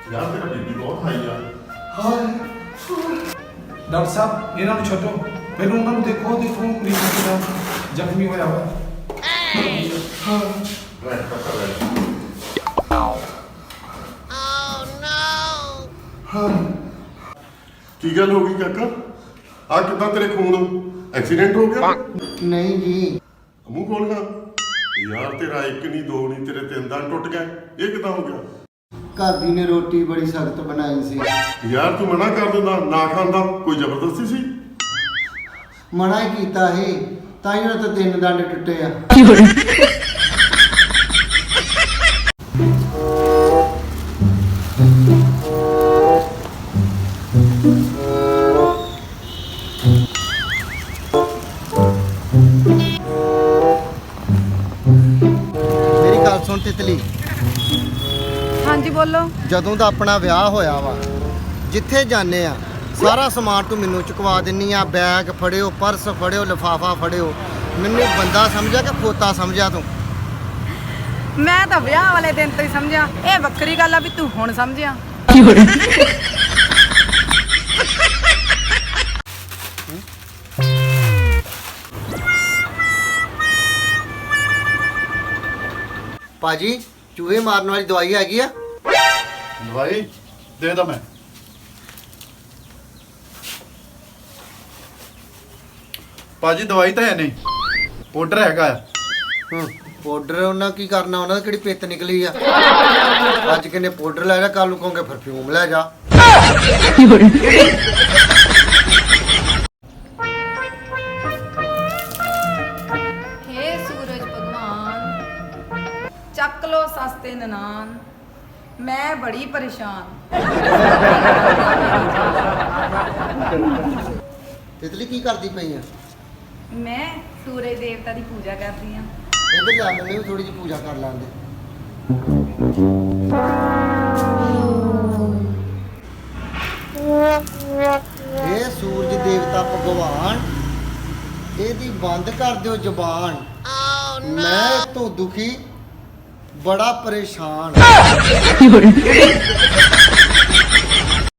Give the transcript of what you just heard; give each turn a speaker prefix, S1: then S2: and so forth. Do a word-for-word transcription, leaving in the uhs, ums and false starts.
S1: यार मेरा बीपी बहुत हाई है।
S2: ਹਾਏ
S3: ਡਾਕਟਰ ਸਾਹਿਬ ਇਹਨਾਂ ਨੂੰ ਛੱਡੋ, ਪਹਿਲਾਂ ਉਹਨਾਂ ਨੂੰ ਦੇਖੋ ਦੇਖੋ ਮਰੀਜ਼ ਕਿੰਨਾ ਜ਼ਖਮੀ ਹੋਇਆ ਵਾ।
S1: बैठ कर कर बैठ। की गल हो गई काका? आ कितना तेरे खून एक्सीडेंट हो गया?
S2: ਨਹੀਂ ਜੀ
S1: मुंह खोल गा यार, तेरा एक नहीं दो नहीं तेरे तीन दांत टूट गए, ये कितना हो गया?
S2: ਘਰ ਦੀ ਨੇ ਰੋਟੀ ਬੜੀ ਸਖਤ ਬਣਾਈ ਸੀ।
S1: यार तू मना कर देना ना खांदा, कोई जबरदस्ती सी?
S2: ਮਨਾ ਹੀ ਕੀਤਾ ਸੀ ਤਾਂ ਹੀ ਉਹਨਾਂ ਤੋਂ ਤਿੰਨ ਦੰਦ ਟੁੱਟੇ ਆ। ਮੇਰੀ ਗੱਲ ਸੁਣ ਤਿਤਲੀ,
S4: ਹਾਂਜੀ ਬੋਲੋ।
S2: ਜਦੋਂ ਦਾ ਆਪਣਾ ਵਿਆਹ ਹੋਇਆ ਵਾ, ਜਿੱਥੇ ਜਾਂਦੇ ਆ ਸਾਰਾ ਸਮਾਨ ਤੂੰ ਮੈਨੂੰ ਚੁਕਵਾ ਦਿੰਨੀ ਆ। ਬੈਗ ਫੜਿਓ, ਪਰਸ ਫੜਿਓ, ਲਿਫਾਫਾ ਫੜਿਓ। ਮੈਨੂੰ ਬੰਦਾ ਸਮਝਿਆ ਕਿ ਖੋਤਾ ਸਮਝਿਆ ਤੂੰ?
S4: ਮੈਂ ਤਾਂ ਵਿਆਹ ਵਾਲੇ ਦਿਨ ਤੋਂ ਹੀ ਸਮਝਿਆ, ਇਹ ਵੱਖਰੀ ਗੱਲ ਆ ਵੀ ਤੂੰ ਹੁਣ ਸਮਝਿਆ।
S2: ਭਾਜੀ ਚੂਹੇ ਮਾਰਨ ਵਾਲੀ ਦਵਾਈ ਹੈਗੀ ਆ?
S5: ਦਵਾਈ ਦੇ ਦਾਂ ਮੈਂ। ਭਾਜੀ ਦਵਾਈ ਤਾਂ ਹੈ ਨਹੀਂ, ਪਾਊਡਰ ਹੈਗਾ ਆ।
S2: ਹੂੰ ਪਾਊਡਰ ਉਹਨਾਂ ਕੀ ਕਰਨਾ, ਉਹਨਾਂ ਦੀ ਕਿਹੜੀ ਪਿੱਤ ਨਿਕਲੀ ਆ? ਅੱਜ ਕਹਿੰਦੇ ਪਾਊਡਰ ਲੈ ਜਾ, ਕੱਲ ਨੂੰ ਕਹੋਗੇ ਪਰਫਿਊਮ ਲੈ ਜਾ।
S4: ਹੇ ਸੂਰਜ ਭਗਵਾਨ, ਚੱਕ ਲੋ ਸਸਤੇ ਨਨਾਨ, ਮੈਂ ਬੜੀ ਪਰੇਸ਼ਾਨ।
S2: ਤਿਤਲੀ ਕੀ ਕਰਦੀ ਪਈ ਆ?
S4: ਮੈਂ ਸੂਰਜ ਦੇਵਤਾ ਦੀ ਪੂਜਾ ਕਰਦੀ ਆ।
S2: ਇਹਦੇ ਲੈ ਮੈਨੂੰ ਵੀ ਥੋੜੀ ਜਿਹੀ ਪੂਜਾ ਕਰ ਲੈਂਦੇ। ਇਹ ਸੂਰਜ ਦੇਵਤਾ ਭਗਵਾਨ, ਇਹਦੀ ਬੰਦ ਕਰ ਦਿਓ ਜ਼ੁਬਾਨ। ਮੈਂ ਤੋਂ ਦੁਖੀ ਬੜਾ ਪਰੇਸ਼ਾਨ।